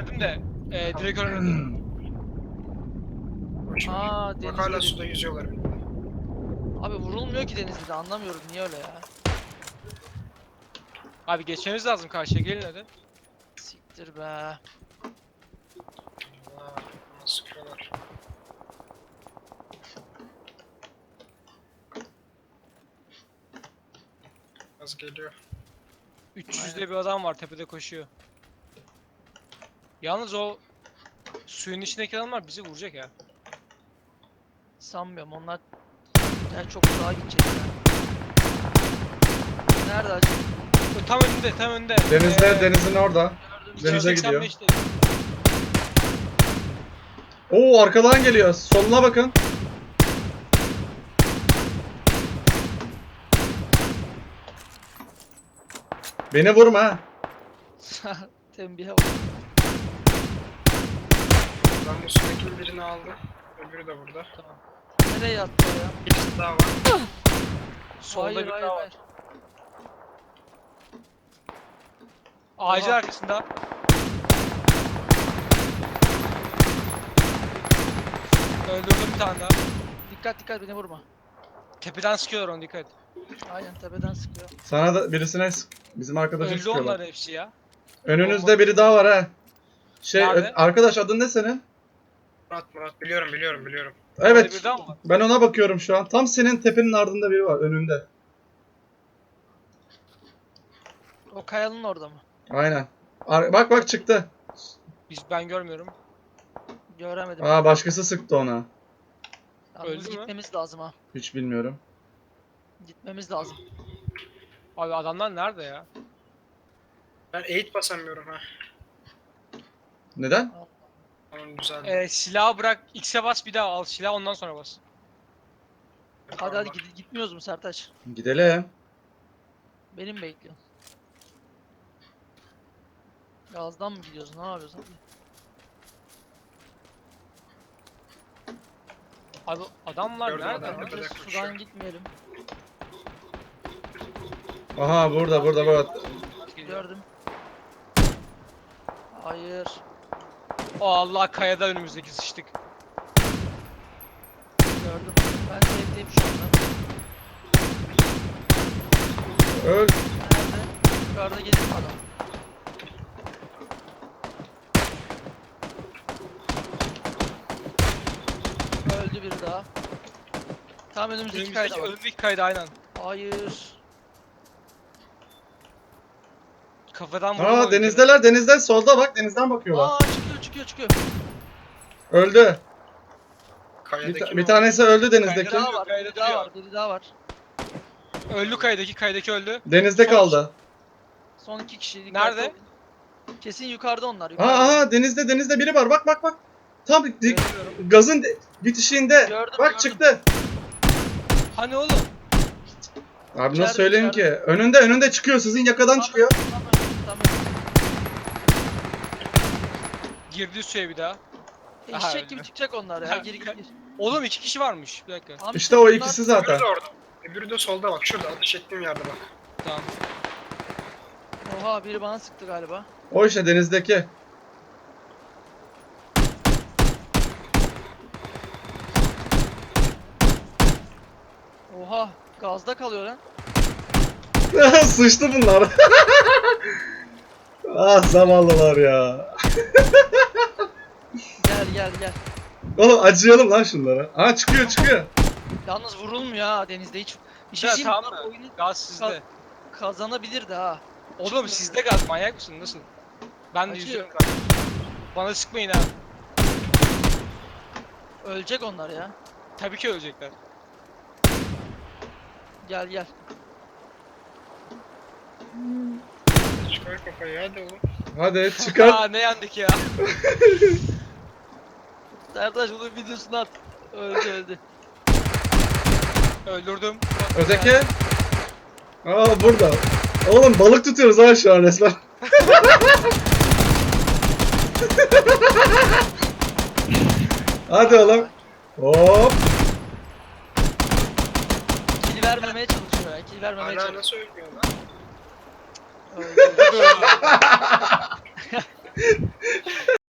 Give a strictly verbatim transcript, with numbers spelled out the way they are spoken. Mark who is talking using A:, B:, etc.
A: indirdim de e, direkt önümde.
B: Boş ver.
C: Aa
B: Bak hala
C: denizde.
B: suda yüzüyorlar.
C: Abi vurulmuyor ki denizde de anlamıyorum niye öyle ya.
A: Abi geçmemiz lazım karşıya, gelin hadi.
C: Siktir be.
B: Allah bana sıkıyorlar. Az geliyor.
A: üç yüzde bir adam var tepede koşuyor. Yalnız o suyun içindeki adamlar bizi vuracak ya.
C: Sanmıyorum onlar yani çok uzağa gidecek ya. Nerede acı?
A: O tam önünde, tam önünde.
D: Denizde,
A: Ee,
D: denizin orada. Denize gidiyor.
A: iki yüz seksen beşte.
D: Oo arkadan geliyor. Soluna bakın. Beni vurma ha.
C: Tembihe bak.
B: Ben bu sudaki birini aldım. Öbürü de burada.
C: Tamam. Nereye yattı o ya?
B: Birisi daha var.
A: Solda
C: hayır
A: bir
C: hayır
A: daha var.
C: hayır.
A: Ağacın
C: Oha.
A: arkasında. Öldürdüm bir tane daha.
C: Dikkat dikkat beni vurma.
A: Tepeden sıkıyorlar onu, dikkat et.
C: Aynen tepeden sıkıyor.
D: Sana da birisine sık. Bizim arkadaşa
A: Öldü
D: sıkıyorlar.
A: onlar hepsi ya.
D: Önünüzde biri daha var ha. Şey
A: Nerede?
D: ö- arkadaş adın ne senin?
B: Murat Murat biliyorum biliyorum biliyorum.
A: Orada
D: Evet.
A: bir daha mı var?
D: Ben ona bakıyorum şu an. Tam senin tepenin ardında biri var önünde.
C: O kayanın orada mı?
D: Aynen. Ar- bak bak çıktı.
A: Biz, ben görmüyorum.
C: Göremedim.
D: Aa başkası sıktı ona.
C: Yalnız
A: öldü mü?
C: gitmemiz lazım ha.
D: Hiç bilmiyorum.
C: Gitmemiz lazım.
A: Abi adamlar nerede ya?
B: Ben eğit basamıyorum ha.
D: Neden?
B: Tamam güzel.
A: Ee, silahı bırak, X'e bas bir daha al silahı, ondan sonra bas.
C: Hadi hadi gid- gitmiyoruz mu Sertaç?
D: Gidelim.
C: Benim bekliyorsun. Gazdan mı gidiyoruz? Ne yapıyorsun?
A: Abi adamlar
B: Gördüm
A: nerede?
B: adamı.
A: lan?
B: Tepede
C: Bence
B: koşuyor.
C: sudan gitmeyelim.
D: Aha burada burada burada.
C: Gördüm. Hayır.
A: O Allah, kayada önümüzdeki sıçtık.
C: Gördüm. Ben sevdiğim şu anda.
D: Öl.
C: Nerede? Yukarıda gelir mi adam? Öldü biri daha. Tam önümüzdeki
A: Önümüzdeki,
C: kayda var.
A: önümüzdeki kayda aynen.
C: Hayır.
A: Kafadan vurdum onu
D: Aa
A: bir kere.
D: denizdeler denizden solda bak denizden bakıyorlar.
C: Aa çıkıyor çıkıyor çıkıyor.
D: Öldü. Bir,
B: Kayadaki
D: ta-
B: mi
D: bir
B: o?
D: tanesi öldü
C: Biri
D: denizdeki.
A: Kayda-
C: daha var.
A: kayda
C: Biri daha
A: duruyor.
C: var. Biri daha var.
A: Öldü kaydaki, kaydaki öldü.
D: Denizde
A: Son-
D: kaldı.
C: Son iki kişi. dikkatli
A: Nerede?
C: olun. Kesin yukarıda onlar.
D: Aa,
C: Yukarıda.
D: aha denizde denizde biri var bak bak bak. Tam di-
A: Görüyorum.
D: gazın de- bitişiğinde.
C: Gördüm,
D: bak
C: gördüm.
D: çıktı.
A: Hani oğlum?
D: Abi
C: İçeride,
D: nasıl söyleyeyim ki?
C: içeride.
D: Önünde önünde çıkıyor sizin yakadan
C: Tam
D: çıkıyor.
C: önüm, tam önüm, tam önüm.
A: Girdi suya bir daha. Aha,
C: Eşek
A: öldü.
C: gibi çıkacak onlar ya.
A: Ha,
C: Gir gir gir.
A: Oğlum iki kişi varmış. Bir dakika.
C: Tamam,
D: İşte o
C: bunlar-
D: ikisi
B: Öbürü
D: zaten.
B: de orada. Öbürü de solda bak. Şurada ateş ettiğim yerde bak.
A: Tamam.
C: Oha biri bana sıktı galiba.
D: O işte denizdeki.
C: Oha gazda kalıyor lan.
D: Sıçtı bunlar. Ah zavallılar ya.
C: Gel gel gel.
D: Oğlum acıyalım lan şunlara. Aa çıkıyor çıkıyor.
C: Yalnız vurulmuyor ha denizde hiç. Bir şey
A: Ya,
C: diyeyim mi?
A: tamam
C: Bunlar
A: mı?
C: oyunu
A: Gaz sizde.
C: kazanabilirdi ha.
A: Oğlum sizde gaz, manyak mısın? Nasıl? Ben de
C: Acıyor.
A: yüzüyorum gaz. Bana sıkmayın ha.
C: Ölecek onlar ya.
A: Tabii ki ölecekler.
C: Gel gel.
B: Çıkar kafayı hadi oğlum.
D: Hadi çıkar.
A: Aa ne yandık ya.
C: Sertaç bunun videosunu at. Öldü öldü.
A: Öldürdüm.
D: Öteki. Aa burada. Oğlum balık tutuyoruz ha şu an resmen. Hadi oğlum. Hop.
C: Kill vermemeye çalışıyor ya. Kill vermemeye
B: Hala
C: çalışıyor.
B: nasıl ölmüyor lan?
C: Öldü.